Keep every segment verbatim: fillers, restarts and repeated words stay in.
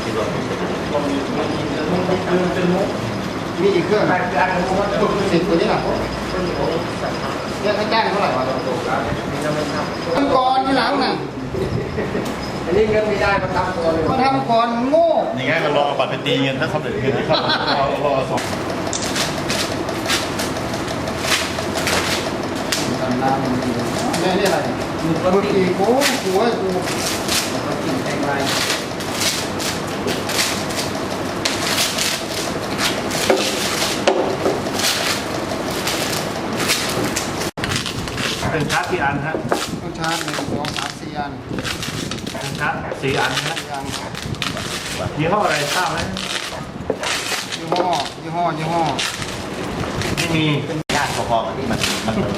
ที่รวมเป็นมีอีกเครื่องสิบตัวนี้หรอเนี่ยค่าจ้างเท่าไหร่วะทำก่อนที่หลังน่ะอันนี้เงินไม่ได้มาทำก่อนเลยมาทำก่อนโง่ยังไงก็รอบัตรไปตีเงินถ้าเขาเดือดเงินนะครับรอรอสองทำน้ำมันดีนี่นี่อะไรเมื่อกี้กูกูให้กูกินแพงไรเป็นชาร์จกี่อันฮะต้องชาร์จหนึ่งสองสามสี่อันเป็นชาร์จสี่อันนะสี่อันยี่ห้ออะไรทราบไหมยี่ห้อยี่ห้อยี่ห้อไม่มีเป็นญาติพอๆกับที่มันมันบรรจุ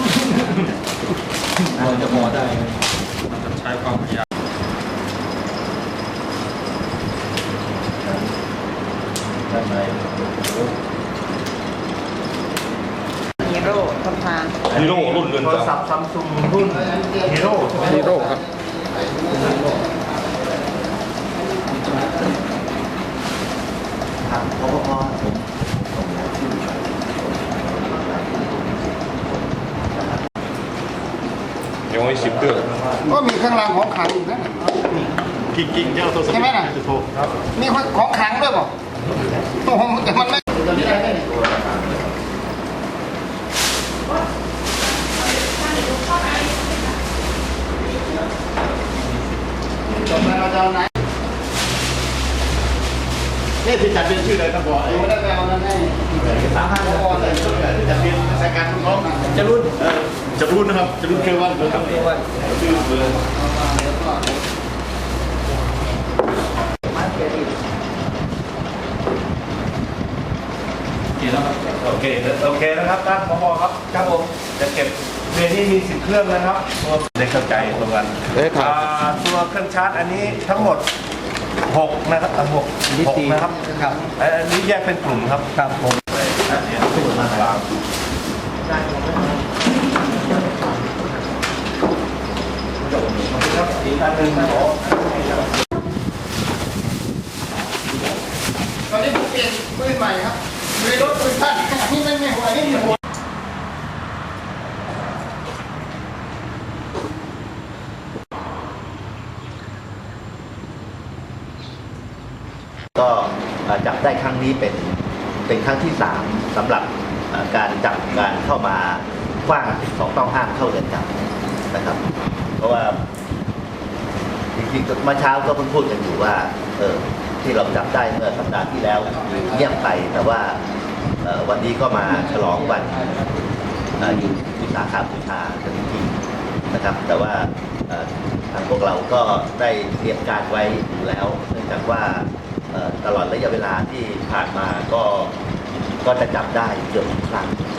มันจะพอได้มันจะใช้ความพยายามได้ไหมฮีโร่ทนทานฮีโร่รุ่นเรือนจำโทรศัพท์ซัมซุงรุ่นฮีโร่ฮีโร่ครับครับพอพอผมยังไม่สิบเครื่องก็มีเครื่องรางของขลังอีกนะกิ่งกิ่งเจ้าโทรศัพท์ใช่ไหมน่ะมีของขลังด้วยป่ะโอ้โหแต่มันไม่ตอนนี้อะไรเนี่ยจบแล้วเราจะเอาไหนนี่ที่จัดเป็นชื่ออะไรครับบอยไม่ได้ไปเอานั้นให้สามห้าบอยเลยชื่ออะไรที่จัดเป็นรายการน้องจะรุ่นจะรุ่นนะครับจะรุ่นเควันครับชื่อเบอร์โอเคโอเคนะครับท่านผอครับครับผมจะเก็บเรนนี่มีสิบเครื่องนะครับได้เข้าใจตรงกันตัวเครื่องชาร์จอันนี้ทั้งหมดหกนะครับหกหกนะครับครับอันนี้แยกเป็นกลุ่มครับครับผมเดี๋ยวพูดมาตามอีกอันหนึ่งนะผมตอนนี้ผมเปลี่ยนปืนใหม่ครับปืนรถปืนสั้นนี่ไม่ไม่หัวนี่มีหัวก็จับได้ครั้งนี้เป็นเป็นครั้งที่สามสำหรับการจับการเข้ามาขว้างสิ่งของต้องห้ามเข้าเรือนจำนะครับ เพราะว่าจริงๆเมื่อเช้าก็เพิ่งพูดกันอยู่ว่าเออที่เราจับได้เมื่อสัปดาห์ที่แล้วเงียบไปแต่ว่าวันนี้ก็มาฉลองวันอยู่วิสาขบูชากันจริงๆนะครับแต่ว่าทางพวกเราก็ได้เตรียมการไว้อยู่แล้วเนื่องจากว่าตลอดระยะเวลาที่ผ่านมาก็ก็จะจับได้เกือบทุกครั้ง